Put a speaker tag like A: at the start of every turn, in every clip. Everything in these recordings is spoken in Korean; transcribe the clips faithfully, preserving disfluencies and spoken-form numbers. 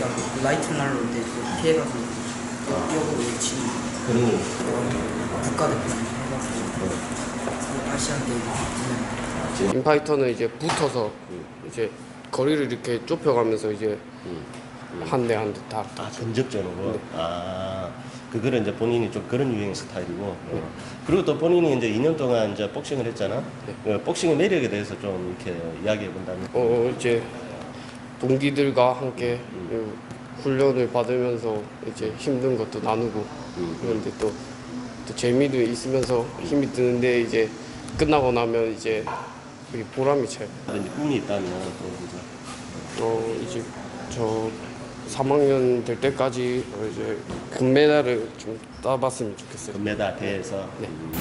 A: 그 라이트 날로 이제 그 피해가서 역으로 외치는
B: 그런 거.
A: 국가대표 해가지고 아시안 게임.
C: 인파이터는 이제 붙어서
B: 음.
C: 이제 거리를 이렇게 좁혀가면서 이제
B: 음. 음.
C: 한 대 한 대 다.
B: 아, 전적전으로.
C: 네.
B: 아, 그거는 이제 본인이 좀 그런 유행 스타일이고. 어. 그리고 또 본인이 이제 이 년 동안 이제 복싱을 했잖아.
C: 네.
B: 어, 복싱의 매력에 대해서 좀 이렇게 이야기해 본다면.
C: 어 이제 동기들과 함께 음. 훈련을 받으면서 이제 힘든 것도 나누고
B: 음.
C: 그런데 또, 또 재미도 있으면서 힘이 드는데 이제 끝나고 나면 이제 그게 보람이 차요.
B: 이제 꿈이 있다면 또 이제.
C: 어 이제 저 삼 학년 될 때까지 이제 금메달을 좀 따봤으면 좋겠어요.
B: 금메달 대회에서.
C: 네.
B: 음.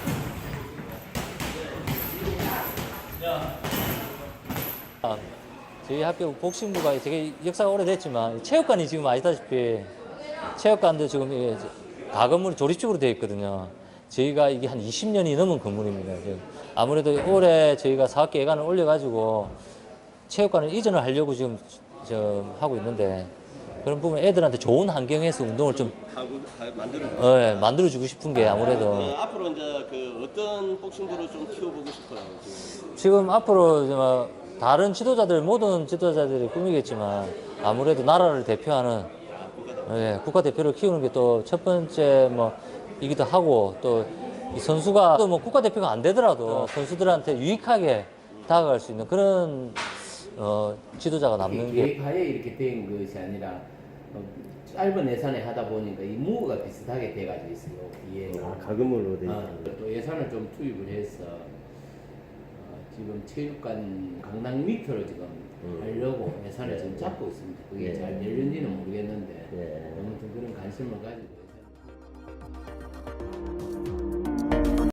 D: 아, 저희 학교 복싱부가 되게 역사가 오래됐지만 체육관이 지금 아시다시피 체육관도 지금 이게 가건물이 조립식으로 되어 있거든요. 저희가 이게 한 이십 년이 넘은 건물입니다. 지금 아무래도 올해 저희가 사학기 예산을 올려가지고 체육관을 이전을 하려고 지금 저 하고 있는데 그런 부분 애들한테 좋은 환경에서 운동을 좀
B: 하고 만들어.
D: 어, 예, 만들어주고 싶은 게 아무래도
B: 어, 앞으로 이제 그 어떤 복싱부를 좀 키워보고 싶어요. 지금.
D: 지금 앞으로 뭐 다른 지도자들 모든 지도자들이 꿈이겠지만 아무래도 나라를 대표하는 예, 국가대표를 키우는 게 또 첫 번째 뭐이기도 하고 또 이 선수가 또 뭐 국가대표가 안 되더라도 선수들한테 유익하게 다가갈 수 있는 그런 어, 지도자가 남는 게
E: 계획하에 이렇게 된 것이 아니라 어, 짧은 예산에 하다 보니까 이 무가 비슷하게 돼가지고 있어요. 이해가.
B: 아, 가금으로 돼.
E: 어, 또 예산을 좀 투입을 해서 어, 지금 체육관 강당 밑으로 지금
B: 음.
E: 하려고 예산을
B: 네.
E: 지금 잡고 있습니다. 그게
B: 네.
E: 잘 열린지는 모르겠는데
B: 네.
E: 아무튼 그런 관심을 가지고 있어요.